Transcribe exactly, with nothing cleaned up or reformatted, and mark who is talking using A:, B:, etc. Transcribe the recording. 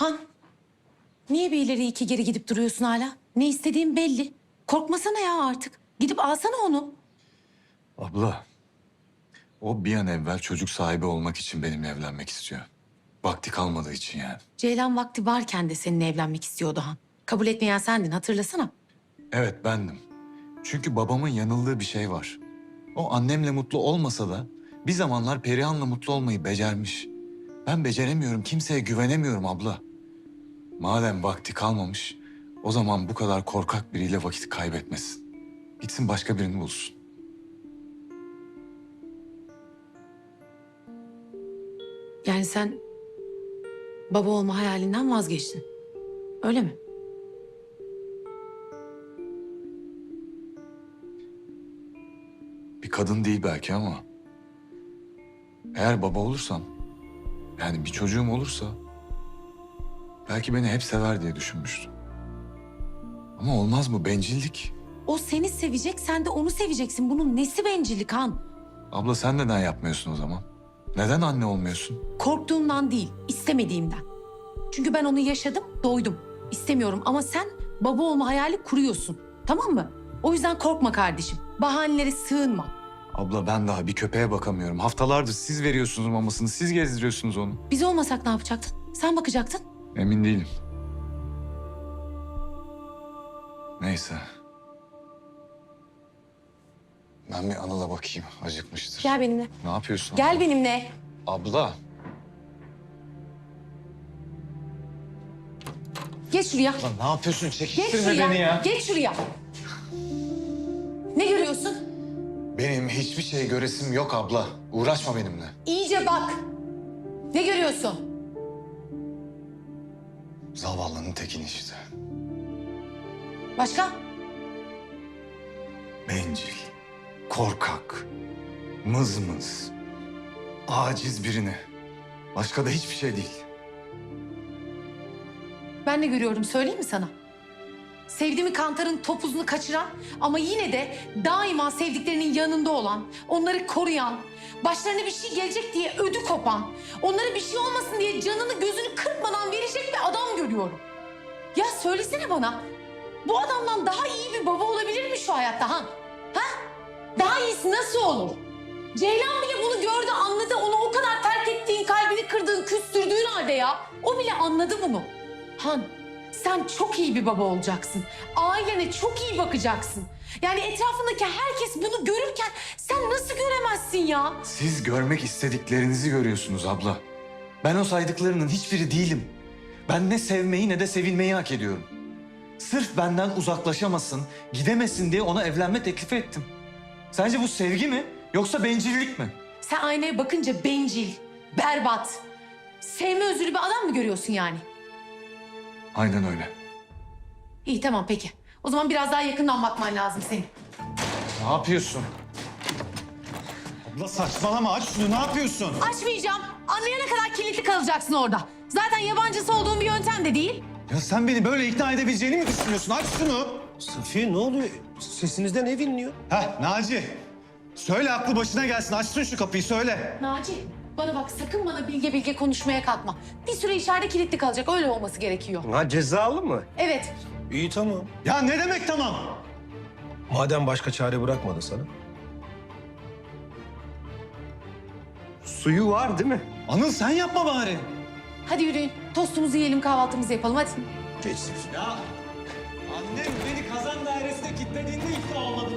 A: Han, niye bir ileri iki geri gidip duruyorsun hala? Ne istediğin belli. Korkmasana ya artık. Gidip alsana onu.
B: Abla, o bir an evvel çocuk sahibi olmak için benimle evlenmek istiyor. Vakti kalmadığı için yani.
A: Ceylan vakti varken de seninle evlenmek istiyordu Han. Kabul etmeyen sendin, hatırlasana.
B: Evet, bendim. Çünkü babamın yanıldığı bir şey var. O annemle mutlu olmasa da bir zamanlar Perihan'la mutlu olmayı becermiş. Ben beceremiyorum, kimseye güvenemiyorum abla. Madem vakti kalmamış, o zaman bu kadar korkak biriyle vakit kaybetmesin. Gitsin başka birini bulsun.
A: Yani sen baba olma hayalinden vazgeçtin. Öyle mi?
B: Bir kadın değil belki ama... eğer baba olursam, yani bir çocuğum olursa... belki beni hep sever diye düşünmüştüm. Ama olmaz mı? Bencillik.
A: O seni sevecek, sen de onu seveceksin. Bunun nesi bencillik Han?
B: Abla sen neden yapmıyorsun o zaman? Neden anne olmuyorsun?
A: Korktuğumdan değil, istemediğimden. Çünkü ben onu yaşadım, doydum. İstemiyorum ama sen baba olma hayali kuruyorsun. Tamam mı? O yüzden korkma kardeşim. Bahanelere sığınma.
B: Abla ben daha bir köpeğe bakamıyorum. Haftalardır siz veriyorsunuz mamasını, siz gezdiriyorsunuz onu.
A: Biz olmasak ne yapacaktın? Sen bakacaktın.
B: Emin değilim. Neyse. Ben bir Anıl'a bakayım, acıkmıştır.
A: Gel benimle.
B: Ne yapıyorsun?
A: Gel
B: abla?
A: benimle.
B: Abla.
A: Geç şuraya.
B: Lan ne yapıyorsun?
A: Geç
B: Çekiştirme
A: şuraya.
B: beni ya.
A: Geç şuraya. Ne görüyorsun?
B: Benim hiçbir şey göresim yok abla. Uğraşma benimle.
A: İyice bak. Ne görüyorsun?
B: Zavallının tekini işte.
A: Başka?
B: Bencil, korkak, mızmız, aciz birini. Başka da hiçbir şey değil.
A: Ben ne görüyorum söyleyeyim mi sana? Sevdiğimi kantarın topuzunu kaçıran ama yine de daima sevdiklerinin yanında olan, onları koruyan, başlarına bir şey gelecek diye ödü kopan, onlara bir şey olmasın diye canını gözünü kırpmadan verecek bir adam görüyorum. Ya söylesene bana, bu adamdan daha iyi bir baba olabilir mi şu hayatta ha? Ha? Daha iyisi nasıl olur? Ceylan bile bunu gördü, anladı. Onu o kadar terk ettiğin, kalbini kırdığın, küstürdüğün halde ya. O bile anladı bunu. Han, sen çok iyi bir baba olacaksın. Ailene çok iyi bakacaksın. Yani etrafındaki herkes bunu görürken sen nasıl göremezsin ya?
B: Siz görmek istediklerinizi görüyorsunuz abla. Ben o saydıklarının hiçbiri değilim. Ben ne sevmeyi ne de sevilmeyi hak ediyorum. Sırf benden uzaklaşamasın, gidemesin diye ona evlenme teklifi ettim. Sence bu sevgi mi yoksa bencillik mi?
A: Sen aynaya bakınca bencil, berbat, sevme özürlü bir adam mı görüyorsun yani?
B: Aynen öyle.
A: İyi tamam peki. O zaman biraz daha yakından bakman lazım senin.
B: Ne yapıyorsun?
C: Abla saçmalama, aç şunu, ne yapıyorsun?
A: Açmayacağım. Anlayana kadar kilitli kalacaksın orada. Zaten yabancısı olduğun bir yöntem de değil.
C: Ya sen beni böyle ikna edebileceğini mi düşünüyorsun? Aç şunu.
D: Safiye ne oluyor? Sesinizden ev inliyor.
C: Heh Naci. Söyle aklı başına gelsin, açsın şu kapıyı söyle.
A: Naci, bana bak sakın bana bilge bilge konuşmaya kalkma. Bir süre içeride kilitli kalacak, öyle olması gerekiyor.
D: Ha cezalı mı?
A: Evet,
D: İyi tamam.
C: Ya ne demek tamam?
D: Madem başka çare bırakmadı sana. Suyu var değil mi?
C: Anıl sen yapma bari.
A: hadi yürüyün. Tostumuzu yiyelim, kahvaltımızı yapalım hadi.
D: Geç Safiye.
C: Ya annem beni kazan dairesine kilitlediğinde ikna olmadı